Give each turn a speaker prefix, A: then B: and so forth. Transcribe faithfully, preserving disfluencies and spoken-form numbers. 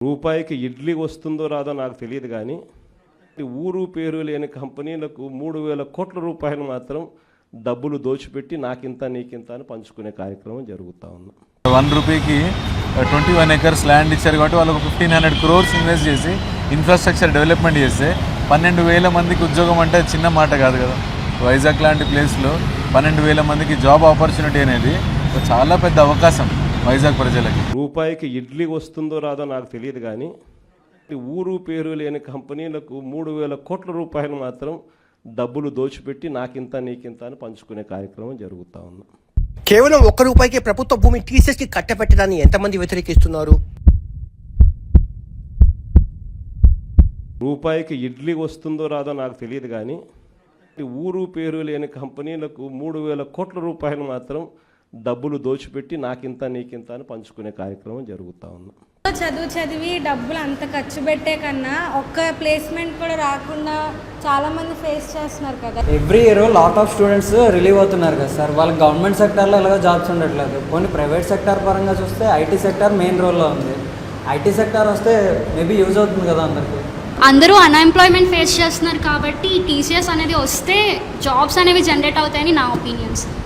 A: రూపాయికి ఇడ్లీ వస్తుందో రాదో నాకు తెలియదు కానీ ఊరు పేరు లేని కంపెనీలకు మూడు వేల కోట్ల రూపాయలు మాత్రం డబ్బులు దోచిపెట్టి నాకింత నీకింత అని పంచుకునే కార్యక్రమం జరుగుతూ ఉంది.
B: వన్ రూపీకి ట్వంటీ వన్ ఎకర్స్ ల్యాండ్ ఇచ్చారు కాబట్టి వాళ్ళకు ఫిఫ్టీన్ హండ్రెడ్ క్రోర్స్ ఇన్వెస్ట్ చేసి ఇన్ఫ్రాస్ట్రక్చర్ డెవలప్మెంట్ చేస్తే పన్నెండు వేల మందికి ఉద్యోగం అంటే చిన్న మాట కాదు కదా. వైజాగ్ లాంటి ప్లేస్లో పన్నెండు వేల మందికి జాబ్ ఆపర్చునిటీ అనేది చాలా పెద్ద అవకాశం వైజాగ్ ప్రజలకి.
A: రూపాయికి ఇడ్లీ వస్తుందో రాదో నాకు తెలియదు కానీ ఊరు పేరు లేని కంపెనీలకు మూడు వేల కోట్ల రూపాయలు మాత్రం డబ్బులు దోచిపెట్టి నాకింత నీకింత అని పంచుకునే కార్యక్రమం జరుగుతూ ఉంది.
C: కేవలం ఒక్క రూపాయికి ప్రభుత్వ భూమి టీసీఎస్కి కట్టబెట్టడాన్ని ఎంతమంది వ్యతిరేకిస్తున్నారు?
A: రూపాయికి ఇడ్లీ వస్తుందో రాదో నాకు తెలియదు కానీ ఊరు పేరు లేని కంపెనీలకు మూడు వేల కోట్ల రూపాయలు మాత్రం డబ్బులు దోచిపెట్టి నాకింత నీకింత అని పంచుకునే కార్యక్రమం జరుగుతూ ఉంది.
D: చదువు చదివి డబ్బులు అంత ఖర్చు పెట్టే కన్నా ఒక్క ప్లేస్మెంట్ కూడా రాకుండా చాలా మంది ఫేస్ చేస్తున్నారు కదా.
E: Every year lot of students relieve అవుతున్నారు కదా సార్. వాళ్ళకి గవర్నమెంట్ సెక్టార్లో ఎలాగో జాబ్స్ ఉండట్లేదు. కొన్ని ప్రైవేట్ సెక్టార్ పరంగా చూస్తే ఐటీ సెక్టార్ మెయిన్ రోల్లో ఉంది. ఐటీ సెక్టార్ వస్తే మేబీ యూజ్ అవుతుంది కదా అందరికీ.
F: అందరూ అన్ఎంప్లాయ్మెంట్ ఫేస్ చేస్తున్నారు కాబట్టి టీసీఎస్ అనేది వస్తే జాబ్స్ అనేవి జనరేట్ అవుతాయని నా ఒపీనియన్స్.